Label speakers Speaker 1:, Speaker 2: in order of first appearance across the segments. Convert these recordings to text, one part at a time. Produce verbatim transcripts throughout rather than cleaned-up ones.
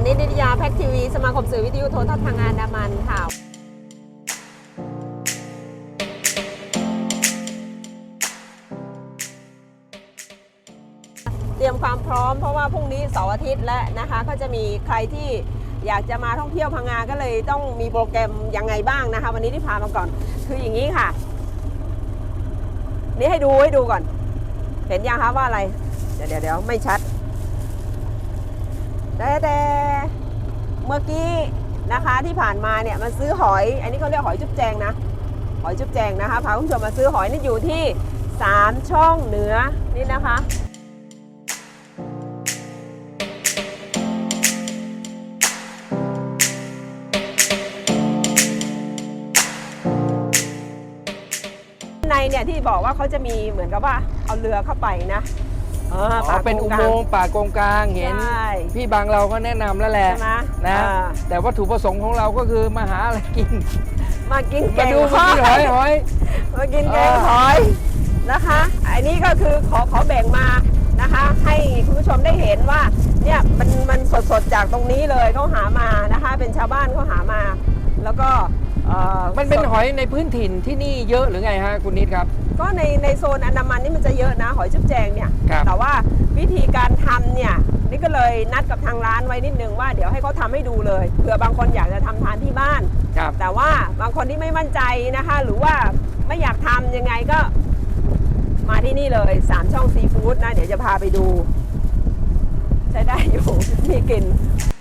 Speaker 1: นิต นิตยาแพ็กทีวีสมาคมสื่อวิทยุโทรทัศน์ทางอันดามันค่ะเตรียมความพร้อมเพราะว่าพรุ่งนี้เสาร์อาทิตย์และนะคะก็จะมีใครที่อยากจะมาท่องเที่ยวพังงาก็เลยต้องมีโปรแกรมยังไงบ้างนะคะวันนี้ที่พามาก่อนคืออย่างนี้ค่ะนี่ให้ดูให้ดูก่อนเห็นยังคะว่าอะไรเดี๋ยวเดี๋ยวเดี๋ยวไม่ชัดแต่แต่เมื่อกี้นะคะที่ผ่านมาเนี่ยมาซื้อหอยอันนี้เขาเรียกหอยจุ๊บแจงนะหอยจุ๊บแจงนะคะพาคุณผู้ชมมาซื้อหอยนี่อยู่ที่สามช่องเหนือนี่นะคะในเนี่ยที่บอกว่าเขาจะมีเหมือนกับว่าเอาเรือเข้าไปนะ
Speaker 2: อ๋อเป็นอุโมงค์ป่ากงกลางเห็นพี่บางเราก็แนะนำแล้วแหละนะแต่วัตถุประสงค์ของเราก็คือมาหาอะไรกิน
Speaker 1: มากินแกง
Speaker 2: หอยหอยหอย
Speaker 1: มากินแกงหอยนะคะอันนี้ก็คือขอขอแบ่งมานะคะให้คุณผู้ชมได้เห็นว่าเนี่ยมันมันสดๆจากตรงนี้เลยเขาหามานะคะเป็นชาวบ้านเขาหามาแล้วก็
Speaker 2: มันเป็นหอยในพื้นถิ่นที่นี่เยอะหรือไงฮะคุณนิดครับ
Speaker 1: ก็ในในโซนอันดามันนี่มันจะเยอะนะหอยจุ๊บแจงเนี่ยแต่ว่าวิธีการทำเนี่ยนี่ก็เลยนัดกับทางร้านไว้นิดนึงว่าเดี๋ยวให้เขาทำให้ดูเลยเผื่อบางคนอยากจะทำทานที่บ้านแต่ว่าบางคนที่ไม่มั่นใจนะคะหรือว่าไม่อยากทำยังไงก็มาที่นี่เลยสามช่องซีฟู้ดนะเดี๋ยวจะพาไปดูใช้ได้อยู่มีกลิ่น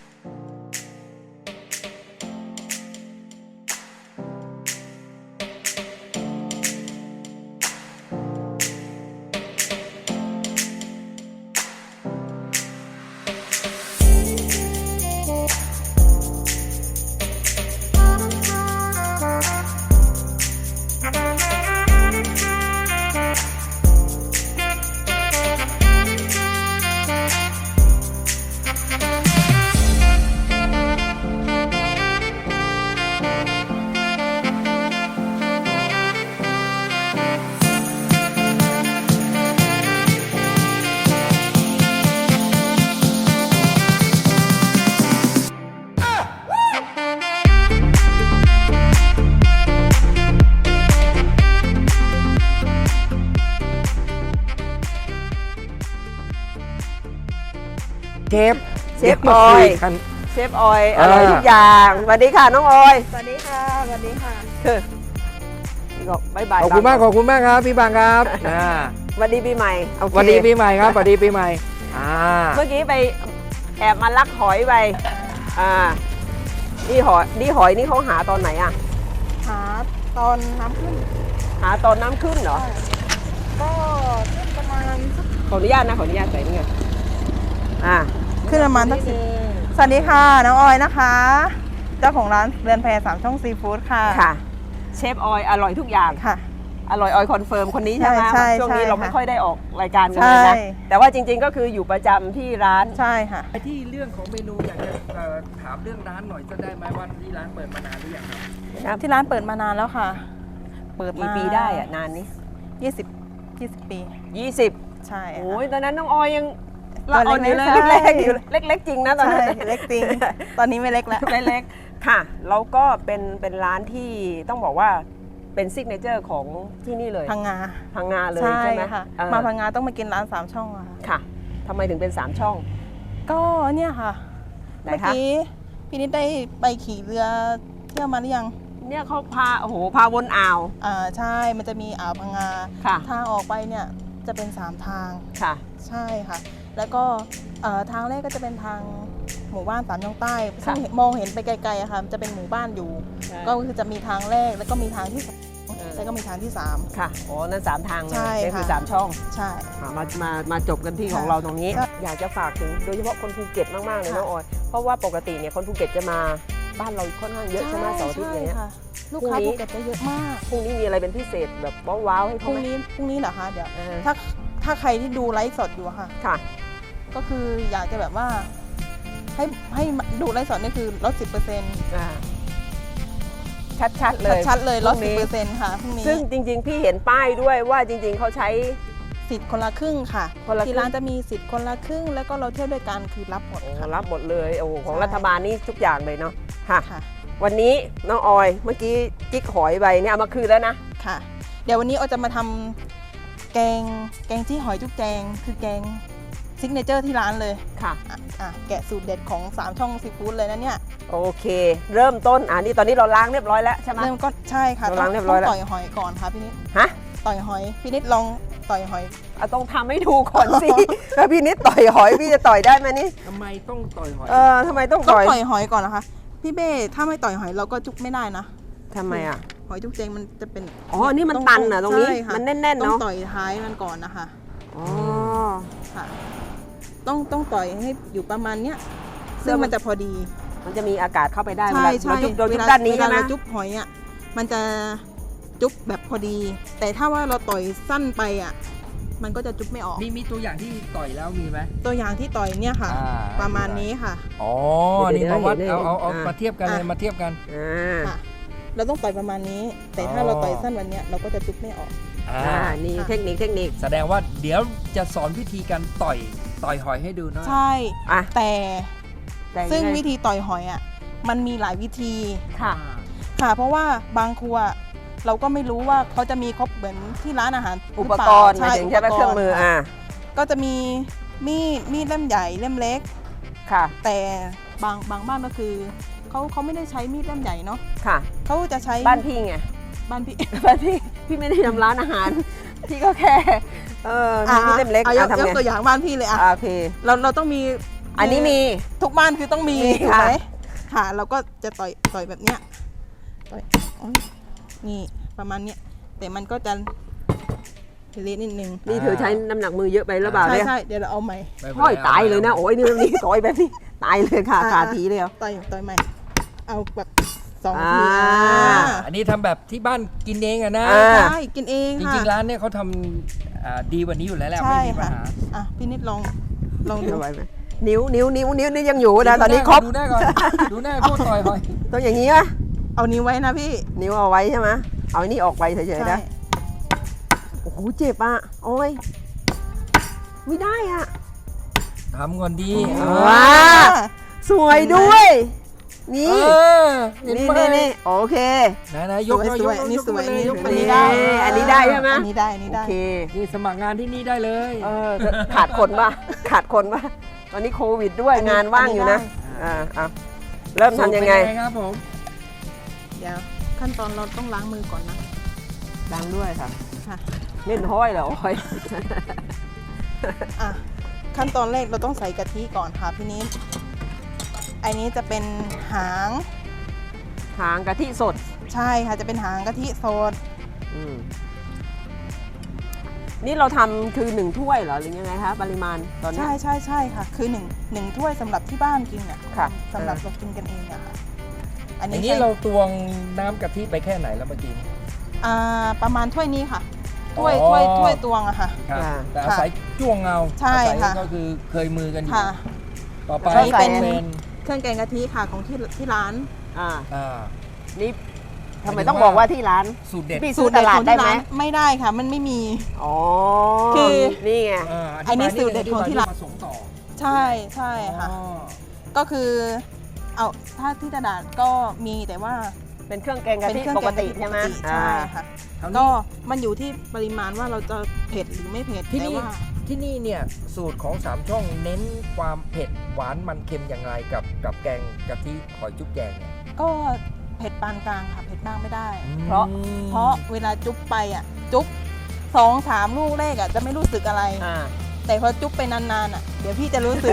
Speaker 2: เชฟ
Speaker 1: เชฟออยเชฟออยอร่อยทุกอย่างสวัสดีค่ะน้องออย
Speaker 3: สวัสดีค่ะสวัสดีค่ะ
Speaker 1: ก็บายบาย
Speaker 2: ขอบคุณมากขอบคุณมากครับพี่บางครับ
Speaker 1: สวัสดีปีใหม่
Speaker 2: สวัสดีปีใหม่ครับสวัสดีปีใหม่
Speaker 1: เมื่อกี้ไปแอบมาลักหอยไปอ่านี่หอยนี่หอยนี่เขาหาตอนไหนอ่ะ
Speaker 3: หาตอนน้ำขึ้น
Speaker 1: หาตอนน้ำขึ้นเหรอ
Speaker 3: ก็ขึ้นประมาณ
Speaker 1: ขออนุญาตนะขออนุญาตใส่นี่ไงอ่า
Speaker 3: ขึ้นประมาณสักสิบสวัสดีค่ะน้องออยนะคะเจ้าของร้านเรือนแพสามช่องซีฟู้ดค่ะ
Speaker 1: ค่ะเชฟออยอร่อยทุกอย่าง
Speaker 3: ค่ะ
Speaker 1: อร่อยออยคอนเฟิร์มคนนี้ใช่ไหมช่วงนี้เราไม่ค่อยได้ออกรายการกันเลยนะแต่ว่าจริงๆก็คืออยู่ประจำที่ร้าน
Speaker 3: ใช่ค่ะ
Speaker 2: ไปที่เรื่องของเมนูอยากจะถามเรื่องร้านหน่อยจะได้ไหมว่าที่ร้านเปิดมานานหรือยัง
Speaker 3: ครับที่ร้านเปิดมานานแล้วค่ะ
Speaker 1: เปิดกี่ปีได้อะนานนี้
Speaker 3: ยี่สิบยี่สิบปี
Speaker 1: ยี่สิบ
Speaker 3: ใช่
Speaker 1: โอ้ยตอนนั้นน้องออยยังเราเอาอยู่เลยเล็กๆอยู่เล็กๆจริงนะตอนนั้น
Speaker 3: เล็กจริงตอนนี้ไม่เล็กแล้ว
Speaker 1: เล็กๆค่ะแล้วก็เป็นเป็นร้านที่ต้องบอกว่าเป็นซิกเนเจอร์ของที่นี่เลย
Speaker 3: พังงา
Speaker 1: พังงาเลยใช่ไหม
Speaker 3: ค่ะมาพังงาต้องมากินร้านสามช่องอะ
Speaker 1: ค่ะทำไมถึงเป็นสามช่อง
Speaker 3: ก็เนี่ยค่ะเมื่อกี้พี่นิดได้ไปขี่เรือเที่ยวมาหรือยัง
Speaker 1: เนี่ยเขาพาโอ้โหพาวนอ่าว
Speaker 3: อ่าใช่มันจะมีอ่าวพังงาทางออกไปเนี่ยจะเป็นสามทาง
Speaker 1: ค่ะ
Speaker 3: ใช่ค่ะแล้วก็ทางแรกก็จะเป็นทางหมู่บ้านสามช่องใต้ซึ่งมองเห็นไปไกลๆอะค่ะจะเป็นหมู่บ้านอยู่ก็คือจะมีทางแรกแล้วก็มีทางที่สองแล้วก็มีทางที่สาม
Speaker 1: ค่ะโอ้นั่นสามทางเลยนี่คือสามช่อง
Speaker 3: ใช่
Speaker 1: มามามาจบกันที่ของเราตรงนี้อยากจะฝากถึงโดยเฉพาะคนภูเก็ตมากๆเลยน้องออยเพราะว่าปกติเนี่ยคนภูเก็ตจะมาบ้านเราค่อนข้างเยอะใช่ไหมเสาร์อาทิตย์อย่างเงี้ย
Speaker 3: ลูกค้าภูเก็ตจะเยอะมาก
Speaker 1: พรุ่งนี้มีอะไรเป็นพิเศษแบบว้าวๆให้
Speaker 3: พรุ่งนี้พรุ่งนี้เหรอคะเดี๋ยวถ้าถ้าใครที่ดูไลฟ์สดอยู่ค่ะ
Speaker 1: ค่ะ
Speaker 3: ก็คืออยากจะแบบว่าให้ให้ดูไลฟ์สดนี่คือลดสิบเปอร์เซ็นต์
Speaker 1: ชัดๆเลย
Speaker 3: ชัดๆเลยลดสิบเปอร์เซ็นต์ค่ะพรุ่งนี้
Speaker 1: ซึ่งจริงๆพี่เห็นป้ายด้วยว่าจริงๆเขาใช้
Speaker 3: สิทธิ์คนละครึ่งค่ะ
Speaker 1: คนละครึ่ง
Speaker 3: ที่ร้านจะมีสิทธิ์คนละครึ่งแล้วก็เราเที่ยวด้วยกันคือรับหมด
Speaker 1: โอ้
Speaker 3: ค่ะ
Speaker 1: รับหมดเลยโอ้ของ
Speaker 3: ใช่
Speaker 1: รัฐบาลนี่ทุกอย่างเลยเนาะค่ะ
Speaker 3: ค่ะ
Speaker 1: วันนี้น้องออยเมื่อกี้กิ๊กหอยใบเนี่ยเอามาคืนแล้วนะ
Speaker 3: ค่ะ เดี๋ยววันนี้เราจะมาทำแกงแกงที่หอยจุ๊บแจงคือแกงซิกเนเจอร์ที่ร้านเลย
Speaker 1: ค่ะ
Speaker 3: อ่ะอ่ะแกะสูตรเด็ดของสามช่องซีฟู้ดเลยนะเนี่ย
Speaker 1: โอเค เริ่มต้นอ่านี่ตอนนี้เราล้างเรียบร้อยแล้วใช่ไหม
Speaker 3: เริ่มก็ใช่ค่ะ
Speaker 1: เรา
Speaker 3: ต้
Speaker 1: ล้างเรียบร้อยแล้ว
Speaker 3: ต่อยหอยก่อนค่ะพี่นิด
Speaker 1: ฮะ
Speaker 3: ต่อยหอยพี่นิดลองต่อยหอย
Speaker 1: เอาต้องทำให้ดูก่อนสิ ถ้าพี่นิดต่อยหอยพี่จะต่อยได้ไหมนี่
Speaker 2: ทำไมต้องต่อยหอย
Speaker 1: เออทำไมต้อง
Speaker 3: ต้อง
Speaker 1: ต่อย
Speaker 3: ต่อยหอยก่อนนะคะพี่เบ้ถ้าไม่ต่อยหอยเราก็จุกไม่ได้นะ
Speaker 1: ทำไมอ่ะ
Speaker 3: หอยจุกแจงมันจะเป็น
Speaker 1: อ๋อนี่มันตันเหรอตรงนี้
Speaker 3: ใช่ค่ะ
Speaker 1: มันแน่นๆ
Speaker 3: ต้อง
Speaker 1: เนาะ
Speaker 3: ต่อยท้ายมันก่อนนะคะ
Speaker 1: อ๋อ
Speaker 3: ค่ะ ต้องต้องต่อยให้อยู่ประมาณเนี้ยซึ่งมันจะพอดี
Speaker 1: มันจะมีอากาศเข้าไปได้เว
Speaker 3: ใช่
Speaker 1: ลา
Speaker 3: ใช่
Speaker 1: เราจุ๊บเราจุ๊บ
Speaker 3: วล
Speaker 1: ด้านนี้ใช่ไหม
Speaker 3: เวลาเราจุ๊บหอยอ่ะมันจะจุ๊บแบบพอดี แต่ถ้าว่าเราต่อยสั้นไปอ่ะมันก็จะจุ๊บไม่ออก
Speaker 2: มีมีตัวอย่างที่ต่อยแล้วมีไหม
Speaker 3: ตัวอย่างที่ต่อยเนี่ยค่ะ
Speaker 2: อ่า
Speaker 3: ประมาณนี้ค่ะ
Speaker 2: อ๋อ นี่มาวัดเอาเอาเอามาเทียบกันเลย
Speaker 3: อ่ะ
Speaker 2: มาเทียบกัน
Speaker 1: อ่า
Speaker 3: ค่ะ เราต้องต่อยประมาณนี้ แต่ถ้า
Speaker 2: อ๋อ
Speaker 3: เราต่อยสั้นวันเนี้ยเราก็จะจุ๊บไม่ออก
Speaker 2: อ่า
Speaker 1: อ่านี่
Speaker 3: ค่ะ
Speaker 1: เทคนิคเทคนิค
Speaker 2: แสดงว่าเดี๋ยวจะสอนวิธีการต่อยต่อยหอยให้ดูนะ
Speaker 3: ใช่
Speaker 1: อ่ะ
Speaker 3: แต่
Speaker 1: แต่
Speaker 3: ซึ่ง
Speaker 1: ยัไ
Speaker 3: วิธีต่อยหอยอ่ะมันมีหลายวิธี
Speaker 1: ค่ะ
Speaker 3: ค่ะ เพราะว่าบางครัวเราก็ไม่รู้ว่าเขาจะมีครบเหมือนที่ร้านอาหารห
Speaker 1: อุ
Speaker 3: อ
Speaker 1: ป
Speaker 3: เล่าก
Speaker 1: รณ์หมายถึงใช่ไหม
Speaker 3: ปก
Speaker 1: เครื่องมือ
Speaker 3: ค่ะ
Speaker 1: อ่า
Speaker 3: ก็จะมีมีดมีดเล่มใหญ่เล่มเล็ก
Speaker 1: ค่ะ
Speaker 3: แต่บางบางบ้านก็คือเขาเขาไม่ได้ใช้มีดเล่มใหญ่เนาะ
Speaker 1: ค่ะ
Speaker 3: เขาจะใช้
Speaker 1: บ้านพี่ไง
Speaker 3: บ้านพี่
Speaker 1: บ้านพี่พี่ไม่ได้ทำร้านอาหาร พี่ก็แค่เออมีพี่เล่มเล็ก
Speaker 3: อ่ะย
Speaker 1: อ่ะ
Speaker 3: ก
Speaker 1: ทำ
Speaker 3: ยก
Speaker 1: ไง
Speaker 3: ตัวอย่างบ้านพี่เลยอ่ะ
Speaker 1: อ่ะโอเค
Speaker 3: เราเราต้องมี
Speaker 1: อันนี้มี
Speaker 3: ทุกบ้านคือต้องมี
Speaker 1: มี
Speaker 3: ถูก
Speaker 1: ค่ะ
Speaker 3: ไหมค่ะ เราก็จะต่อยต่อยแบบเนี้ยต่อยโอ๊ยนี่ประมาณเนี้ยแต่มันก็จะเละนิดนึง
Speaker 1: นี่เธอใช้น้ำหนักมือเยอะไปหรือเปล่า
Speaker 3: ใช่
Speaker 1: เนี่ย
Speaker 3: ใช่เดี๋ยวเราเอาใหม่
Speaker 2: ไม่เป็นไร
Speaker 1: ห้อยตายเลยนะโอ้ยนี่แบบนี้ต่อยแบบนี้ตายเลยค่ะ
Speaker 3: อ่ะ
Speaker 1: ขาทีเลยอ่ะ
Speaker 3: ต่อยต่อยใหม่ เอาแบบสอง
Speaker 1: อ่า
Speaker 3: ทีอ่า
Speaker 2: อันนี้ทำแบบที่บ้านกินเองอะนะ
Speaker 1: อ่า
Speaker 3: ใช่กินเอง
Speaker 2: จ
Speaker 3: ค่ะ
Speaker 2: ริงๆร้านเนี่ยเขาทำอ่าดีกว่านี้อยู่แล้วแหละ
Speaker 3: ใช่
Speaker 2: ไม่มีปัญ
Speaker 3: ค่ะ
Speaker 2: หา
Speaker 3: อ่ะพี่นิดลองลองดู
Speaker 1: เอาไว้ไหมนิ้วนิ้วนิ้วนิ้วนี่ยังอยู่นะตอนนี้ครบ
Speaker 2: ดูหน้าก่อนดูหน้าพวกต่อยหอย
Speaker 1: ต้องอย่างนี้ไหม
Speaker 3: เอานิ้วไว้นะพี่
Speaker 1: นิ้วเอาไว้ใช่ไหมเอาอันนี้ออกไปเฉยๆ
Speaker 3: ใช่
Speaker 1: นะโอ้โหเจ็บอ่ะโอ้ยไม่ได้อ่ะ
Speaker 2: ทำก่อนดี
Speaker 1: อ๋อ
Speaker 2: เออ
Speaker 1: ว้า สวยด้วย นี่
Speaker 2: เออเห็น
Speaker 1: นี่
Speaker 2: ไหม
Speaker 1: นี่นี่โอเค
Speaker 2: ไหนไหนยก
Speaker 3: สวย
Speaker 2: ยก
Speaker 3: สวย
Speaker 2: ยก
Speaker 3: นี่สวย
Speaker 2: ขึ้
Speaker 3: นี่
Speaker 2: ยก
Speaker 3: อั
Speaker 2: ขึ้
Speaker 3: น
Speaker 2: น
Speaker 3: นี้
Speaker 2: เลย
Speaker 3: ได้
Speaker 1: อันนี้ได้ใช่ไหม
Speaker 3: อันนี้ได้อันนี้
Speaker 1: โอ
Speaker 3: ได้
Speaker 1: เค
Speaker 2: นี่สมัครงานที่นี่ได้เลย
Speaker 1: เออขาดคนป่ะขาดคนป่ะตอนนี้โควิดด้วย
Speaker 3: อันนี้
Speaker 1: งานว่างอยู่นะ
Speaker 3: อันนี้ได้
Speaker 1: อ่าเอาเริ่มทำยังไง
Speaker 2: สูตรเป็นครับผม
Speaker 3: เดี๋ยวขั้นตอนเราต้องล้างมือก่อนนะ
Speaker 1: ล้างด้วยค่ะ
Speaker 3: ค่ะ
Speaker 1: เล่นห้อยเหรอห้อย
Speaker 3: อ่ะขั้นตอนแรกเราต้องใส่กะทิก่อนค่ะพี่นิดอันนี้จะเป็นหาง
Speaker 1: หางกะทิสด
Speaker 3: ใช่ค่ะจะเป็นหางกะทิสด
Speaker 1: อืมนี่เราทำคือหนึ่งถ้วยเหรอหรือยังไงคะปริมาณตอนนี้
Speaker 3: ใช่ใช่ใช่ค่ะ คือหนึ่งหนึ่งถ้วยสำหรับที่บ้านกินอ่ะ
Speaker 1: ค่ะ
Speaker 3: สำหรับเรากินกันเองอะค่ะ อัน
Speaker 2: อัน
Speaker 3: นี้
Speaker 2: นี้
Speaker 3: ใส่
Speaker 2: เราตวงน้ำกะทิไปแค่ไหนแล้วเมื่อกี้
Speaker 3: อ่าประมาณถ้วยนี้ค่ะถ้วย
Speaker 2: อ๋อ
Speaker 3: ถ้วยถ้วยตวงอะค่ะ
Speaker 2: ครับ
Speaker 1: อ่า
Speaker 2: แต่อาศัยจ้วงเงา
Speaker 3: ใช่
Speaker 2: อาศัย
Speaker 3: ค่ะ
Speaker 2: ก็คือเคยมือกันอยู่
Speaker 3: ค่ะ
Speaker 2: ต่อไป
Speaker 3: ใช้เป็น
Speaker 2: เป็น
Speaker 3: เครื่องแกงกะทิค่ะของที่ที่ร้าน
Speaker 1: อ่า
Speaker 2: อ่า
Speaker 1: นี่ทำไมต้องบอกว่าที่ร้าน
Speaker 2: สูตรเด็ด
Speaker 1: พี่ซื้อตลาดได้ไหม
Speaker 3: ไม่ได้ค่ะ มันไม่มี
Speaker 1: อ๋อ
Speaker 3: คือ
Speaker 1: นี่ไง
Speaker 2: อ่า
Speaker 3: อันนี้
Speaker 2: ธิบาย
Speaker 3: สูตรเด็ดของที่ร้าน
Speaker 2: ผสมต่อ
Speaker 3: ใช่ใช่ค่ะ
Speaker 2: อ๋อ
Speaker 3: ก็คือ เอาถ้าที่ตลาดก็มีแต่ว่า
Speaker 1: เป็นเครื่องแกงกะ
Speaker 3: เป็น
Speaker 1: ทิ
Speaker 3: เครื่อง
Speaker 1: ป
Speaker 3: แก
Speaker 1: ก
Speaker 3: ง
Speaker 1: ติ
Speaker 3: กะทิ
Speaker 1: ใช่ไหม
Speaker 3: ปกติใช่ค่ะ
Speaker 2: คราว
Speaker 3: ก็
Speaker 2: นี้
Speaker 3: มันอยู่ที่ปริมาณว่าเราจะเผ็ดหรือไม่เผ็ด
Speaker 2: ที่
Speaker 3: แต่
Speaker 2: นี่
Speaker 3: ว่า
Speaker 2: ที่นี่เนี่ยสูตรของสามช่องเน้นความเผ็ดหวานมันเค็มอย่างไรกับกับแกงกะทิหอยจุ๊บแกงเนี่ย
Speaker 3: ก็เผ็ดปานกลางค่ะเผ็ดมากไม่ได้
Speaker 1: เพราะ
Speaker 3: เพราะเวลาจุ๊บไปอ่ะ จุ๊บสองสามลูกแรกอ่ะจะไม่รู้สึกอะไร
Speaker 1: อ่า
Speaker 3: แต่พอจุ๊บไปนานๆอ่ะเดี๋ยวพี่จะรู้สึก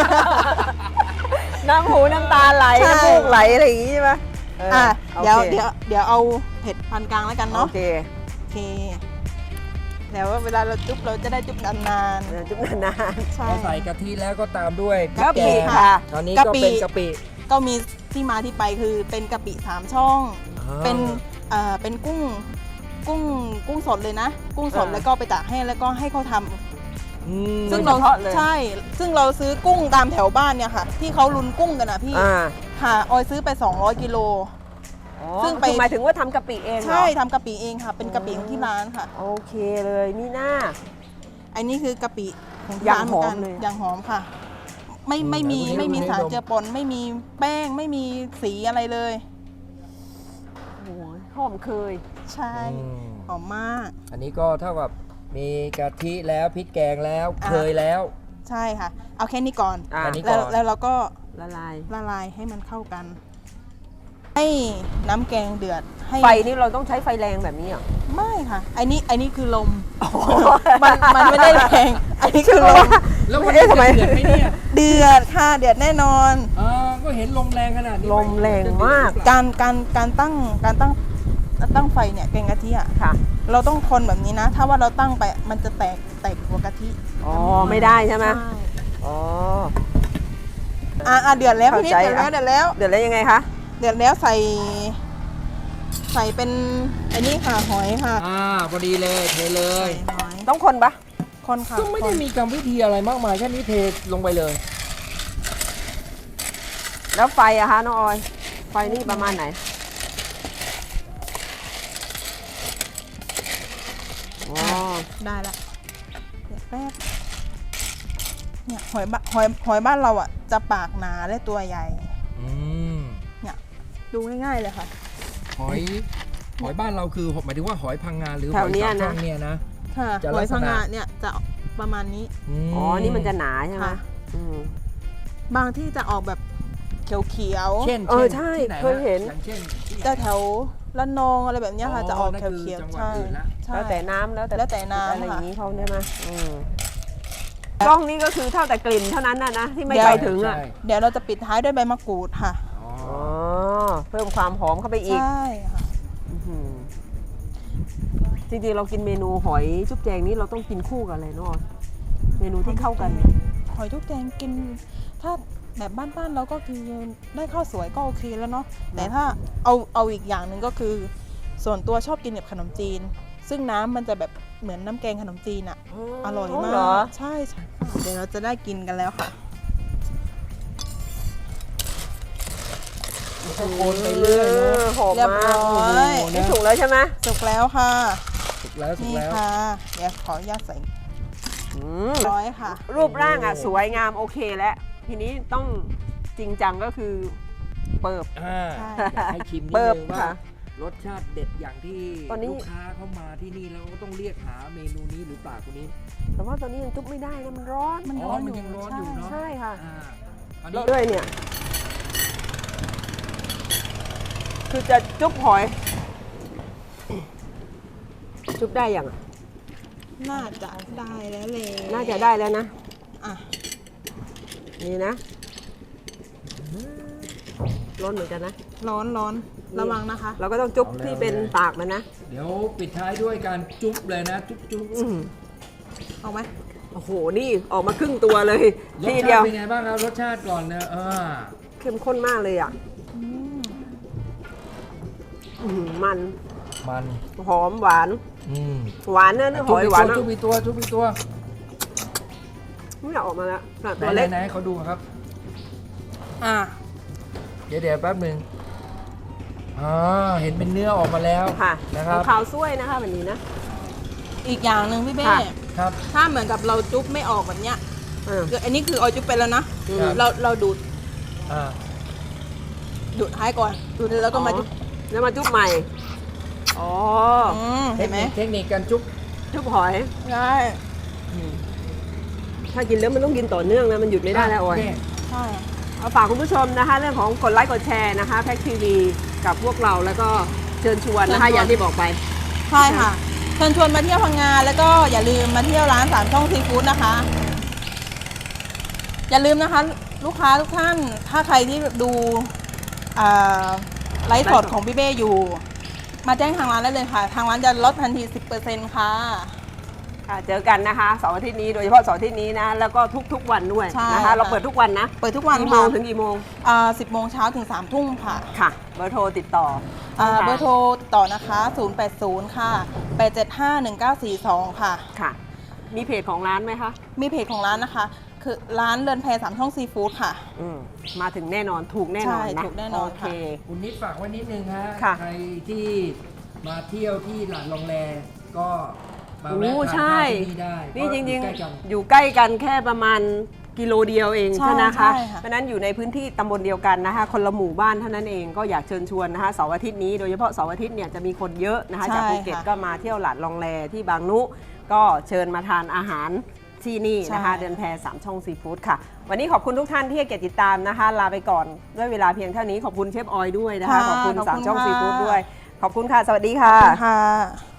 Speaker 1: น้ำหูน้ำตาไหล
Speaker 3: ใช่
Speaker 1: น้ำมูกไหลอะไรอย่างงี้ใช่ไหมเออ
Speaker 3: อ่ะ
Speaker 1: โอ
Speaker 3: เดี๋ยว
Speaker 1: ค
Speaker 3: เดี๋ยวเดี๋ยวเอาเผ็ดปานกลางแล้วกัน
Speaker 1: โอ
Speaker 3: เนาะ
Speaker 1: เค
Speaker 3: โอเคเดี๋ยวเวลาเราจุ๊บเราจะได้จุ๊บนาน
Speaker 1: เดี๋ยวจุ๊บนาน
Speaker 3: ๆใช่
Speaker 2: พอใส่กะทิแล้วก็ตามด้วยพริ
Speaker 1: กะ
Speaker 2: กแก
Speaker 1: ปิ
Speaker 2: ง
Speaker 1: ค่ะ
Speaker 2: คราวนี้
Speaker 3: กะ
Speaker 2: ก็
Speaker 3: ปิ
Speaker 2: เป็นกะปิ
Speaker 3: ก็มีที่มาที่ไปคือเป็นกะปิสามช่อง เป็นเอ่อเป็นกุ้งกุ้งกุ้งสดเลยนะ กุ้งสด
Speaker 1: อ่า
Speaker 3: แล้วก็ไปตากแห้งแล้วก็ให้เขาทำ
Speaker 2: อืม
Speaker 3: ซึ่ง
Speaker 1: โด
Speaker 3: เรา
Speaker 1: ยเฉพาะเลย
Speaker 3: ใช่ ซึ่งเราซื้อกุ้งตามแถวบ้านเนี่ยค่ะ ที่เขาลุนกุ้งกันนะพี่
Speaker 1: อ่า
Speaker 3: ค่ะออยซื้อไปสองร้อยกิโล ซึ่
Speaker 1: ซึ่
Speaker 3: ง
Speaker 1: ง
Speaker 3: ไป
Speaker 1: ไปหมายถึงว่าทำกะปิเองเหรอ
Speaker 3: ใช่ทำกะปิเองค่ะ เป็นกะปิของที่ร้านค่ะ
Speaker 1: โอเคเลยมีหน้า
Speaker 3: อันนี้คือกะปิของที่
Speaker 1: อย่าง
Speaker 3: ร้านเหมือนกัน
Speaker 1: หอมเลย
Speaker 3: อย่างหอมค่ะ ไม่ไม่มี
Speaker 2: อืม
Speaker 3: ไม่มี
Speaker 2: ดูนี่
Speaker 3: สาร
Speaker 2: ดู
Speaker 3: เจือปนไม่มีแป้งไม่มีสีอะไรเลย
Speaker 1: โอ้ยหอมเคย
Speaker 3: ใช่
Speaker 2: อืม
Speaker 3: หอมมาก
Speaker 2: อันนี้ก็เท่ากับมีกะทิแล้วพริกแกงแล้ว
Speaker 3: อ่ะ
Speaker 2: เคยแล้ว
Speaker 3: ใช่ค่ะ เอาแค่นี้ก่อน
Speaker 1: อ่ะ
Speaker 2: อันนี้
Speaker 3: แล้วแล้วเราก็
Speaker 1: ละลาย
Speaker 3: ละลายให้มันเข้ากัน ให้น้ำแกงเดือดให้
Speaker 1: ไฟนี่เราต้องใช้ไฟแรงแบบนี้เหรอ
Speaker 3: ไม่ค่ะอันนี้อันนี้คือลมมันมันไม่ได้แรงอันนี้คือลม
Speaker 2: แล้ววันนี้จะเดือดไหมเนี่ย
Speaker 3: เดือดค่ะเดือดแน่นอน
Speaker 2: อ่าก็เห็นลมแรงขนาดนี้
Speaker 1: ลมแรงมาก
Speaker 3: การการการตั้งการตั้งตั้งไฟเนี่ยแกงกะทิอ่ะ
Speaker 1: ค่ะ
Speaker 3: เราต้องคนแบบนี้นะ ถ้าว่าเราตั้งไปมันจะแตกแตกหัวกะทิ
Speaker 1: อ๋อ ไม่ได้ใช่ไหม
Speaker 3: ใช่
Speaker 1: อ๋อ
Speaker 3: อ่ะอ่ะเดือดแล้วพี่นิด
Speaker 1: เข้าใจ
Speaker 3: เดือดแล้วเดือดแล้ว
Speaker 1: เดี๋ยวแล้วยังไงคะ
Speaker 3: เดือดแล้วใส่ ใส่เป็นอันนี้ค่ะหอยค่ะ
Speaker 2: อ่าพอดีเลยเทเลย
Speaker 3: ใส่หอย
Speaker 1: ต้องคนปะ
Speaker 3: คนค่ะ
Speaker 2: ก็ไม่ได้
Speaker 3: คน
Speaker 2: มีกรรมวิธีอะไรมากมายแค่นี้เทลงไปเลย
Speaker 1: แล้วไฟอะคะน้องออย ไฟนี่ประมาณไหน อ๋อ
Speaker 3: ได้ละเดี๋ยวแป๊บเนี่ยหอยบะหอยหอยบ้านเราอ่ะ จะปากหนาและตัวใหญ่
Speaker 2: อืม
Speaker 3: เนี่ยดูง่ายๆเลยค่ะ
Speaker 2: หอยหอยบ้านเราคือหมายถึงว่าหอยพังงาหรือห
Speaker 1: แถ
Speaker 2: อ
Speaker 1: วย เนี้ย
Speaker 2: สาม
Speaker 1: นะ
Speaker 2: ช่องเนี่ยนะ
Speaker 3: ค่ะ
Speaker 2: จะ
Speaker 3: ห
Speaker 2: ลั
Speaker 3: อก ย
Speaker 2: ษณะ
Speaker 3: พังงาเนี่ยจะประมาณนี้
Speaker 2: ม
Speaker 1: อ๋อ นี่มันจะหนาใช่ไหม
Speaker 3: ค่ะ
Speaker 1: อืม
Speaker 3: บางที่จะออกแบบเขียว
Speaker 2: เช่น
Speaker 1: เออ
Speaker 2: ช่น
Speaker 1: ใช่
Speaker 2: ที่ไนะ
Speaker 1: เคยเห็น
Speaker 2: อย่างเช่นที่ไหน
Speaker 3: ๆจะแถวละนองอะไรแบบเนี้ยค่ะ
Speaker 2: อ๋อ
Speaker 3: จะออก
Speaker 2: นั่นคือ
Speaker 3: เขียว
Speaker 2: จัง
Speaker 3: ๆ
Speaker 2: หวัด
Speaker 3: ใช่
Speaker 2: อื่นละ
Speaker 3: ใช่
Speaker 1: แล้วแต่น้ำแล้วแต่
Speaker 3: แล้วแต่น้ำ
Speaker 1: อะไรอย่าง
Speaker 3: ค่ะ
Speaker 1: นี้เขาได้ไหมอืมกล้องนี้ก็คือเท่าแต่กลิ่นเท่านั้นนะนะที่ไม่
Speaker 3: เดี๋ยว
Speaker 1: ไปถึงอ่ะ
Speaker 2: ใช่
Speaker 3: เดี๋ยวเราจะปิดท้ายด้วยใบมะกรูดค่ะ
Speaker 2: อ๋อ
Speaker 1: อ๋อ เพิ่มความหอมเข้าไปอีก
Speaker 3: ใช่ค่ะ
Speaker 1: อื้อหือจริงๆ เรากินเมนูหอยจุ๊บแจงนี้เราต้องกินคู่กับอะไรเนาะเมนูที่เข้ากัน
Speaker 3: หอยทุกแกงกิน ถ้าแบบบ้านๆเราก็คือได้ข้าวสวยก็โอเคแล้วเนาะแต่ถ้าเอาเอาอีกอย่างหนึ่งก็คือ ส่วนตัวชอบกินแบบขนมจีน ซึ่งน้ำมันจะแบบเหมือนน้ำแกงขนมจีนอะอร่อยมา
Speaker 1: เหรอ
Speaker 3: กใช่ใช่เดี๋ยวเราจะได้กินกันแล้วค่ะ
Speaker 2: ก็โคนไปเรื่อยเนอะ
Speaker 1: หอม
Speaker 3: เรียบ
Speaker 1: มาก
Speaker 3: ร้อย
Speaker 1: โอ้โหนี่สุกแล้วใช่ไหม
Speaker 3: สุกแล้วค่ะ
Speaker 2: สุกแล้วสุก
Speaker 3: นี่
Speaker 2: แล้ว
Speaker 3: ค่ะ เดี๋ยวขออนุญาตใส่
Speaker 1: อืม
Speaker 3: ร้อยค่ะ
Speaker 1: รูปร่างอ่ะสวยงามโอเคแล้ว ทีนี้ต้องจริงจังก็คือเปิบ
Speaker 2: อ่า
Speaker 3: ใช่
Speaker 2: อยากให้ชิมนิด
Speaker 1: เปิบ
Speaker 2: นึงว่า
Speaker 1: ค่ะ
Speaker 2: รสชาติเด็ดอย่างที่
Speaker 1: ตอนนี้
Speaker 2: ลูกค้าเข้ามาที่นี่แล้วก็ต้องเรียกหาเมนูนี้หรือเปล่าคนนี้
Speaker 1: แต่ว่าตอนนี้ยังจุ๊บไม่ได้นะมันร้อน
Speaker 3: มัน
Speaker 2: อ๋
Speaker 3: ร้
Speaker 2: อ
Speaker 3: อน
Speaker 2: มัน
Speaker 3: อยู่
Speaker 2: ยังร้อนอยู่เนาะ
Speaker 1: ใช่ค่ะ
Speaker 2: อ่าอัน
Speaker 1: แล้
Speaker 2: นี้
Speaker 1: วด้วยเนี่ย คือจะจุ๊บหอย จุ๊บได้ยังอ่ะ
Speaker 3: น่าจะได้แล้วเลย
Speaker 1: น่าจะได้แล้วนะ
Speaker 3: อ่ะ
Speaker 1: นี่นะร้อนเหมือนกันนะ
Speaker 3: ร้อนร้อนระวังนะคะ
Speaker 1: เราก็ต้องจุ๊บที่เป็นปากมันนะ
Speaker 2: เดี๋ยวปิดท้ายด้วยการจุ๊บเลยนะ จุ๊บจุ๊บ
Speaker 1: อืม
Speaker 3: เอาไหม
Speaker 1: โอ้โห นี่ออกมาครึ่งตัวเลย
Speaker 2: รส
Speaker 1: ที
Speaker 2: ชา
Speaker 1: เดียว
Speaker 2: ติเป็นไงบ้างครับรสชาติก่อนนะอ่า
Speaker 1: เข้มข้นมากเลยอ่ะ
Speaker 3: อืม
Speaker 1: อื้อหือมัน
Speaker 2: มัน
Speaker 1: หอมหวาน
Speaker 2: อืม
Speaker 1: หวานนะหอยหวานนะ
Speaker 2: จุ๊บอีกตัวจุ๊บอีกตัว
Speaker 1: ไม่อยากออกมาแล้วน่ะ
Speaker 2: ไหน
Speaker 1: ตัวเล็ก
Speaker 2: ไหนๆเขาดูครับ
Speaker 3: อ่ะ
Speaker 2: เดี๋ยวเดี๋ยวแป๊บหนึ่งอ่าเห็นเป็นเนื้อออกมาแล้ว
Speaker 1: ค่ะ
Speaker 2: นะครับ
Speaker 1: ขาวซ้วยนะคะแบบนี้นะ
Speaker 3: อีกอย่างหนึ่งพี่เบ้
Speaker 1: ค่ะ
Speaker 2: ครับ
Speaker 3: ถ้าเหมือนกับเราจุ๊บไม่ออกแบบเนี้ย
Speaker 1: เออ
Speaker 3: คืออันนี้คือออยจุ๊บไปแล้วนะ
Speaker 2: ครับ
Speaker 3: เราเราดูด
Speaker 2: อ่า
Speaker 3: ดูดท้ายก่อนดูดแล้วก็มาจุ๊บ
Speaker 1: แล้วมาจุ๊บใหม่ อ๋อ
Speaker 3: อืม
Speaker 2: เท
Speaker 3: เห็
Speaker 2: คน
Speaker 3: ไหม
Speaker 2: นิคเทคนิคการจุ๊บ
Speaker 1: จุ๊บหอย
Speaker 3: ใช่
Speaker 1: ถ้ากินแล้วมันต้องกินต่อเนื่องนะ มันหยุดไม่ได้แล้วออย
Speaker 2: โเค
Speaker 3: ใช่
Speaker 1: เอาฝากคุณผู้ชมนะคะ เรื่องของกดไลค์กดแชร์นะคะแพ็กทีวีกับพวกเราแล้วก็เชิญชวนนะคะ อย่างที่บอกไป
Speaker 3: ใช่ค่ะเชิญชวนมาเที่ยวพังงาแล้วก็อย่าลืมมาเที่ยวร้านสามช่องซีฟู้ดนะคะ อย่าลืมนะคะ ลูกค้าทุกท่านถ้าใครที่ดูอ่าไลฟ์สดของพี่เบ้อยู่ มาแจ้งทางร้านได้เลยค่ะ ทางร้านจะลดทันที สิบเปอร์เซ็นต์ ค่ะ
Speaker 1: ค่ะเจอกันนะคะเสาร์อาทิตย์นี้โดยเฉพาะเสาร์อาทิตย์นี้นะ แล้วก็ทุกๆวันด้วย
Speaker 3: ใช่
Speaker 1: นะคะ
Speaker 3: ค่ะ
Speaker 1: เราเปิดทุกวันนะ
Speaker 3: เปิดทุกวัน
Speaker 1: กี่โม
Speaker 3: ค่ะ
Speaker 1: งถึงกี่โมง
Speaker 3: อ่าสิบโมงเช้าถึงสามทุ่มค่ะ
Speaker 1: ค่ะ เบอร์โทรติดต่อ
Speaker 3: อ่า
Speaker 1: ช่งทาง
Speaker 3: เบอร์โทรติดต่อนะคะ ศูนย์ แปด ศูนย์ ค่ะ แปด เจ็ด ห้า หนึ่ง เก้า สี่ สอง ค่ะ
Speaker 1: ค่ะ มีเพจของร้านไหมคะ
Speaker 3: มีเพจของร้านนะคะ คือร้านเรือนแพสามช่องซีฟู้ดค่ะ
Speaker 1: อืมมาถึงแน่นอนถูกแน่นอน
Speaker 3: ใช่
Speaker 1: นะ
Speaker 3: ถูกแน่นอน
Speaker 1: โอเค
Speaker 3: ค่ะ
Speaker 2: คุณนิดฝากไว้นิดนึงฮะ
Speaker 1: ค่ะ
Speaker 2: ใครที่มาเที่ยวที่หลาดลองแลก็มา
Speaker 1: โอ้
Speaker 2: แวะทาน
Speaker 1: ใช่
Speaker 2: ข้าวที่นี่ได้
Speaker 1: นี่จริง
Speaker 2: เพาะอยู่ใกล้กัน
Speaker 1: ๆ อยู่ใกล้กันแค่ประมาณกิโลเดียวเอง
Speaker 3: ใช่
Speaker 1: ใช่ไหม
Speaker 3: ใช่
Speaker 1: คะ
Speaker 3: ค่ะ
Speaker 1: เพราะฉะนั้นอยู่ในพื้นที่ตำบลเดียวกันนะคะคนละหมู่บ้านเท่านั้นเองก็อยากเชิญชวนนะคะเสาร์อาทิตย์นี้โดยเฉพาะเสาร์อาทิตย์เนี่ยจะมีคนเยอะนะคะ
Speaker 3: ใช่
Speaker 1: จากภูเก็ต
Speaker 3: ค่ะ
Speaker 1: ก็มาเที่ยวหลาดลองแลที่บางนุก็เชิญมาทานอาหารที่นี่นะคะ
Speaker 3: ใช่
Speaker 1: เดินแพสามช่องซีฟู้ดค่ะ วันนี้ขอบคุณทุกท่านที่ให้เกียรติติดตามนะคะ ลาไปก่อนด้วยเวลาเพียงเท่านี้ขอบคุณเชฟออยด้วยนะคะ
Speaker 3: ค่ะ
Speaker 1: ขอบคุณ
Speaker 3: ขอบคุณ
Speaker 1: สามช่อง
Speaker 3: ค่ะ
Speaker 1: ซีฟู้ดด้วยขอบคุณค่ะ สวัสดีค่ะ
Speaker 3: ค่ะ